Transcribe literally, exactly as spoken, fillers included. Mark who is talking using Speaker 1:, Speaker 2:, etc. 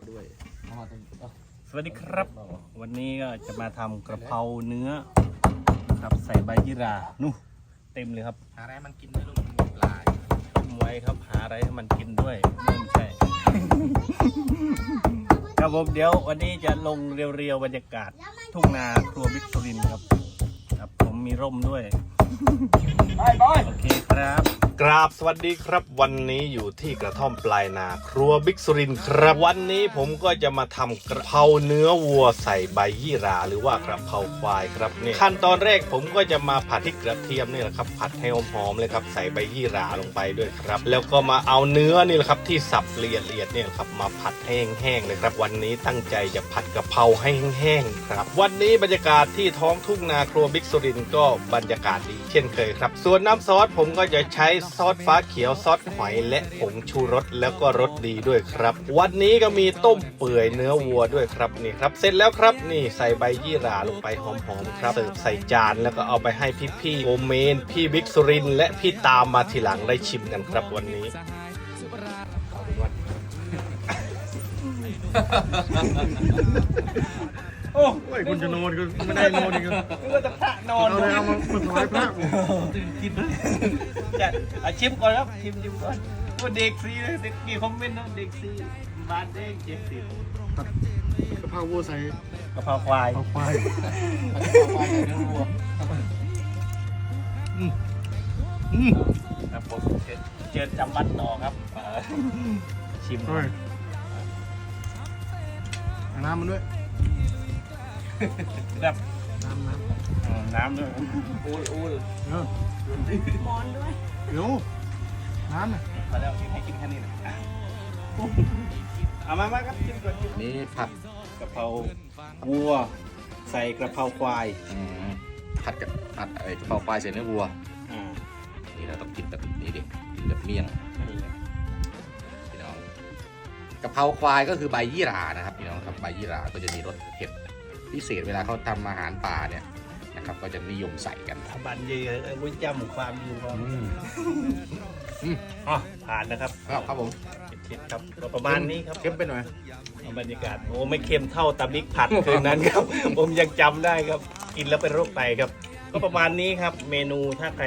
Speaker 1: ด้วย
Speaker 2: สวัสดีครับวันนี้ก็จะมาทำกระเพราเนื้อครับใส่ใบยี่หร่านู่เต็มเลยครับ
Speaker 1: หาอะไรมันกินด้วยลูกมันมีปลา
Speaker 2: ต้มไว้ครับหาอะไรให้มันกินด้วยไม่ใช่ ครับผมเดี๋ยววันนี้จะลงเรียวๆบรรยากาศทุ่งนาครัวบิ๊กสุรินทร์ครับครับผมมีร่มด้วยโอเคครับกราบสวัสดีครับวันนี้อยู่ที่กระท่อมปลายนาครัวบิ๊กสุรินทร์ครับวันนี้ผมก็จะมาทำกระเพราเนื้อวัวใส่ใบยี่หร่าหรือว่ากระเพราควายครับนี่ขั้นตอนแรกผมก็จะมาผัดพริกกระเทียมนี่แหละครับผัดให้หอมๆเลยครับใส่ใบยี่หร่าลงไปด้วยครับแล้วก็มาเอาเนื้อนี่แหละครับที่สับละเอียดๆเนี่ยครับมาผัดแห้งๆเลยครับวันนี้ตั้งใจจะผัดกระเพราให้แห้งๆครับวันนี้บรรยากาศที่ท้องทุ่งนาครัวบิ๊กสุรินทร์ก็บรรยากาศดีเช่นเคยครับส่วนน้ำซอสผมก็จะใช้ซอสฟ้าเขียวซอสหอยและผงชูรสแล้วก็รสดีด้วยครับวันนี้ก็มีต้มเปื่อยเนื้อวัวด้วยครับนี่ครับเสร็จแล้วครับนี่ใส่ใบยี่หร่าลงไปหอมๆครับเสิร์ฟใส่จานแล้วก็เอาไปให้พี่ๆโอเมนพี่บิ๊กสุรินทร์และพี่ตามมาทีหลังได้ชิมกันครับวันนี้โอ้ยคุณจะนอนก็ไม่ได้นอนอีกก็จะพระนอนเลยเอามามาถวายพระตื่นกินด้วยจะอาชิมก่อนครับชิมชิมก่อนว่าเด็กซีเลยเด็กกี่คอมเมนต์นะเด็กซีบานเด้งเจ็ดสิบ
Speaker 1: กะเพราวัวใส่
Speaker 2: กะเพราควาย
Speaker 1: กะเพราควายกะเพราควายใส่เนื้อวัวอืมอืม
Speaker 2: ครับผมเจอจำบัตรต่อครับชิม
Speaker 1: ด้วยน้ำมันด้วย
Speaker 2: แบบ
Speaker 1: น้ำน้ำ
Speaker 2: น้ำด้วย
Speaker 1: โอ้ยโอ้ยเออ
Speaker 3: มอนด้วย
Speaker 1: เดี๋ยวน้ำน่ะ
Speaker 2: มาแล้วให้กินแค่นี้นะเอามามาครับชิมก่อน
Speaker 1: นี่ผัด
Speaker 2: กะเพราวัวใส่กระเพราควาย
Speaker 1: ผัดกับผัดไอ้กะเพราควายใส่เนื้อวัว
Speaker 2: อ่า
Speaker 1: นี่เราต้องกินแบบนี้ดิกินแบบเมี่ยงพี่น้องกะเพราควายก็คือใบยี่หร่านะครับพี่น้องครับใบยี่หร่าก็จะมีรสเผ็ดพิเศษเวลาเขาทำอาหารป่าเนี่ยนะครับก็จะนิยมใส่กัน
Speaker 2: บันเย่วิจำความอยู่ครับ
Speaker 1: อืม
Speaker 2: อ๋อผ่านนะครับ
Speaker 1: ครับครับผม
Speaker 2: เค็มครับประมาณนี้ครับ
Speaker 1: เค็มไปหน่อย
Speaker 2: บรรยากาศโอ้ไม่เค็มเท่าตำมิกผัดคืนนั้นครับผมยังจำได้ครับกินแล้วเป็นโรคไตครับก็ประมาณนี้ครับเมนูถ้าใคร